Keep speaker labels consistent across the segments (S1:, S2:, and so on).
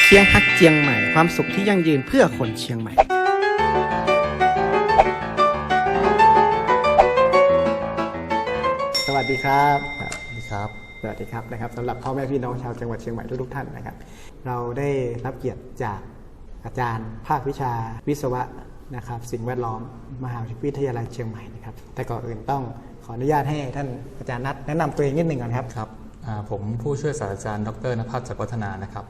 S1: เชียงฮักเจียงใหม่ความสุขที่ยั่งยืนเพื่อคนเชียงใหม่สวัสดีครับ
S2: สวัสดีครับ
S1: สวัสดีครับนะครับสำหรับพ่อแม่พี่น้องชาวจังหวัดเชียงใหม่ทุกท่านนะครับเราได้รับเกียรติจากอาจารย์ภาควิชาวิศวะนะครับสิ่งแวดล้อมมหาวิทยาลัยเชียงใหม่นะครับแต่ก่อนอื่นต้องขออนุญาตให้ท่านอาจารย์นัทแนะนำตัวเองนิดหนึ่งก่อนครับ
S2: ครับผมผู้ช่วยศาสตราจารย์ดร.ณภัส จักรวัฒนานะครับ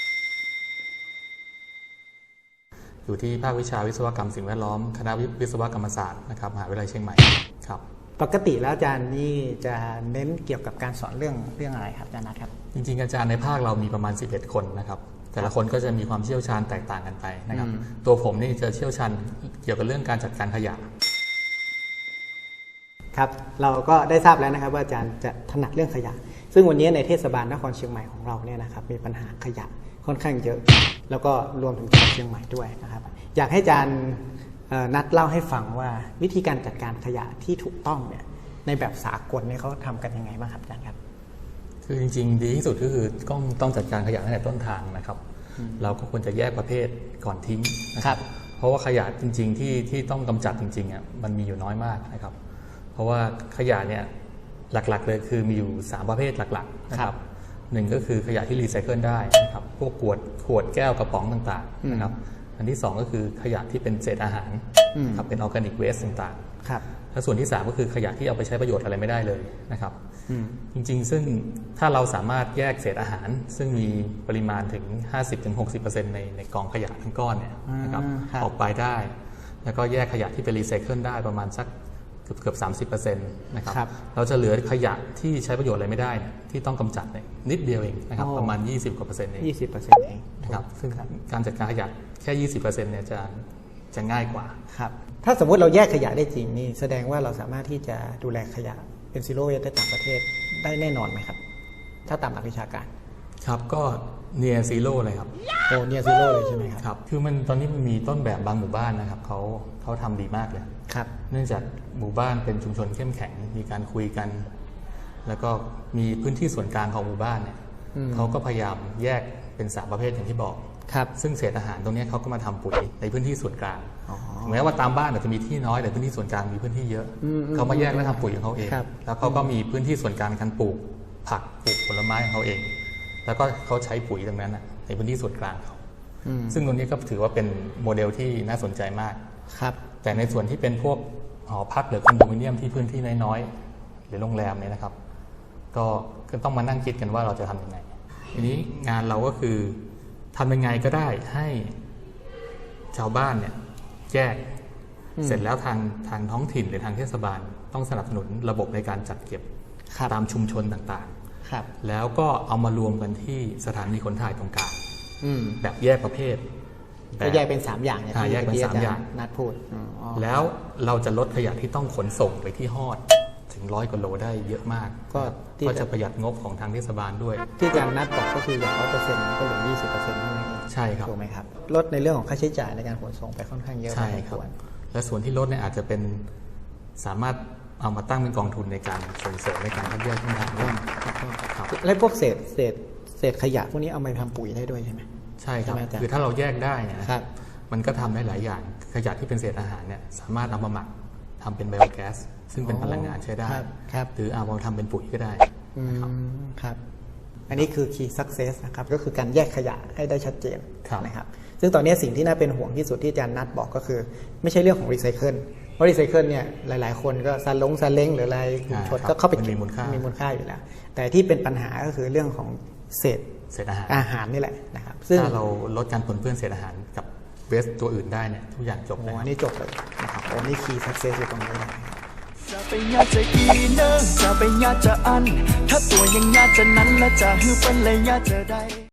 S2: อยู่ที่ภาควิชาวิศวกรรมสิ่งแวดล้อมคณะวิศวกรรมศาสตร์นะครับมหาวิทยาลัยเชียงใหม่ครับ
S1: ปกติแล้วอาจารย์นี่จะเน้นเกี่ยวกับการสอนเรื่องอะไรครับอาจารย์นัทครับ
S2: จริงๆอาจารย์ในภาคเรามีประมาณ11คนนะครับแต่ละคนก็จะมีความเชี่ยวชาญแตกต่างกันไปนะครับตัวผมนี่จะเชี่ยวชาญเกี่ยวกับเรื่องการจัดการขยะ
S1: ครับเราก็ได้ทราบแล้วนะครับว่าอาจารย์จะถนัดเรื่องขยะซึ่งวันนี้ในเทศบาลนครเชียงใหม่ของเราเนี่ยนะครับมีปัญหาขยะค่อนข้างเยอะแล้วก็รวมถึงจังหวัดเชียงใหม่ด้วยนะครับอยากให้อาจารย์นัดเล่าให้ฟังว่าวิธีการจัดการขยะที่ถูกต้องเนี่ยในแบบสากลเนี่ยเขาทำกันยังไงบ้างครับอาจารย์ครับ
S2: คือจริงๆดีที่สุดก็คือต้องจัดการขยะตั้งแต่ต้นทางนะครับเราก็ควรจะแยกประเภทก่อนทิ้งนะครับเพราะว่าขยะจริงๆที่ต้องกำจัดจริงๆอ่ะมันมีอยู่น้อยมากนะครับเพราะว่าขยะเนี่ยหลักๆเลยคือมีอยู่3ประเภทหลักๆนะครับหนึ่งก็คือขยะที่รีไซเคิลได้นะครับพวกขวดแก้วกระป๋องต่างๆนะครับอันที่2ก็คือขยะที่เป็นเศษอาหารครับเป็นออร์แกนิกเวสต์ต่างๆและส่วนที่3ก็คือขยะที่เอาไปใช้ประโยชน์อะไรไม่ได้เลยนะครับจริงๆซึ่งถ้าเราสามารถแยกเศษอาหารซึ่งมีปริมาณถึง 50-60% ในกองขยะทั้งก้อนเนี่ยนะครับออกไปได้แล้วก็แยกขยะที่เป็นรีไซเคิลได้ประมาณสักเกือบ 30% นะครับเราจะเหลือขยะที่ใช้ประโยชน์อะไรไม่ได้ที่ต้องกำจัดเนี่ยนิดเดียวเองนะครับประมาณ20%เอง
S1: 20%เอง
S2: นะครับซึ่งการจัดการขยะแค่ 20% เนี่ยจะง่ายกว่า
S1: ครับถ้าสมมุติเราแยกขยะได้จริงนี่แสดงว่าเราสามารถที่จะดูแลขยะเป็นซีโร่เวสต์ในต่างประเทศได้แน่นอนไหมครับถ้าตามหลักวิชาการ
S2: ครับก็เนียร์ซีโร่เลยครับ
S1: โอ้เนียร์ซีโร่เลยใช่ไหมครับ
S2: ครับคือตอนนี้มันมีต้นแบบบางหมู่บ้านนะครับเขาทำดีมากเลย
S1: ครับ
S2: เนื่องจากหมู่บ้านเป็นชุมชนเข้มแข็งมีการคุยกันแล้วก็มีพื้นที่ส่วนกลางของหมู่บ้านเนี่ยเขาก็พยายามแยกเป็น3ประเภทอย่างที่บอกซึ่งเศษอาหารตรงนี้เขาก็มาทำปุ๋ยในพื้นที่ส่วนกลางแม้ว่าตามบ้านอาจจะมีที่น้อยแต่พื้นที่ส่วนกลางมีพื้นที่เยอะเขามาแยกและทำปุ๋ยของเขาเองแล้วเขาก็มีพื้นที่ส่วนกลางการปลูกผักปลูกผลไม้ของเขาเองแล้วก็เขาใช้ปุ๋ยตรงนั้นในพื้นที่ส่วนกลางเขาซึ่งตรงนี้ก็ถือว่าเป็นโมเดลที่น่าสนใจมากแต่ในส่วนที่เป็นพวกหอพักหรือคอนโดมิเนียมที่พื้นที่น้อยๆหรือโรงแรมเนี่ยนะครับก็ต้องมานั่งคิดกันว่าเราจะทำยังไงทีนี้งานเราก็คือทำยังไงก็ได้ให้ชาวบ้านเนี่ยแยกเสร็จแล้วทางท้องถิ่นหรือทางเทศบาลต้องสนับสนุนระบบในการจัดเก็บตามชุมชนต่างๆแล้วก็เอามารวมกันที่สถานีขนถ่ายตรงกลางแบบแยกประเภท
S1: ก็แยกเป็น3อย่าง
S2: แยกเป็น3อย่าง
S1: นัดพูด
S2: แล้วเราจะลดขยะที่ต้องขนส่งไปที่ฮอดถึง100 กว่าโลได้เยอะมากก็จะประหยัดงบของทางเทศบาลด้วย
S1: ที่อาจารย์นัดบอกก็คืออย่าง 100% ก็เหลือ 20% เท่านั้นเอง
S2: ใช่ครับ
S1: ถูกไหมครับลดในเรื่องของค่าใช้จ่ายในการขนส่งไปค่อนข้างเยอะ
S2: ใช่ครับและส่วนที่ลดเนี่ยอาจจะเป็นสามารถเอามาตั้งเป็นกองทุนในการส่งเสริมในการคัดแยกทิ้งทางด้วย
S1: และพวกเศษขยะพวกนี้เอามาทำปุ๋ยได้ด้วยใช่ไหม
S2: ใช่ครับคือถ้าเราแยกได้เนี่ยมันก็ทำได้หลายอย่างขยะที่เป็นเศษอาหารเนี่ยสามารถเอามาหมักทำเป็นไบโอแก๊สซึ่งเป็นพลังงานใช้ได้หรือเอามาทำเป็นปุ๋ยก็ได้
S1: ครับอันนี้คือ Key Success นะครับก็คือการแยกขยะให้ได้ชัดเจนนะครับซึ่งตอนนี้สิ่งที่น่าเป็นห่วงที่สุดที่อาจารย์นัทบอกก็คือไม่ใช่เรื่องของรีไซเคิลเพราะรีไซเคิลเนี่ยหลายๆคนก็ซาเล้งหรืออะไรชดก็เข้าไป
S2: มีมูลค่
S1: าอยู่แล้วแต่ที่เป็นปัญหาก็คือเรื่องของเศษอาหารนี่แหละนะครับ
S2: ซึ่งถ้าเราลดการปนเปื้อนเศษอาหารกับเวสต์ตัวอื่นได้เนี่ยทุกอย่างจบเลย
S1: อันนี้จบเลยนะครับอันนี้ Key Success อยู่ตรงนี้นะ
S3: จะไปญาจะอีเนอร์จะไปญาจะอันถ้าตัวยังญาจะนั้นและจะฮือเป็นเลยญาจะได้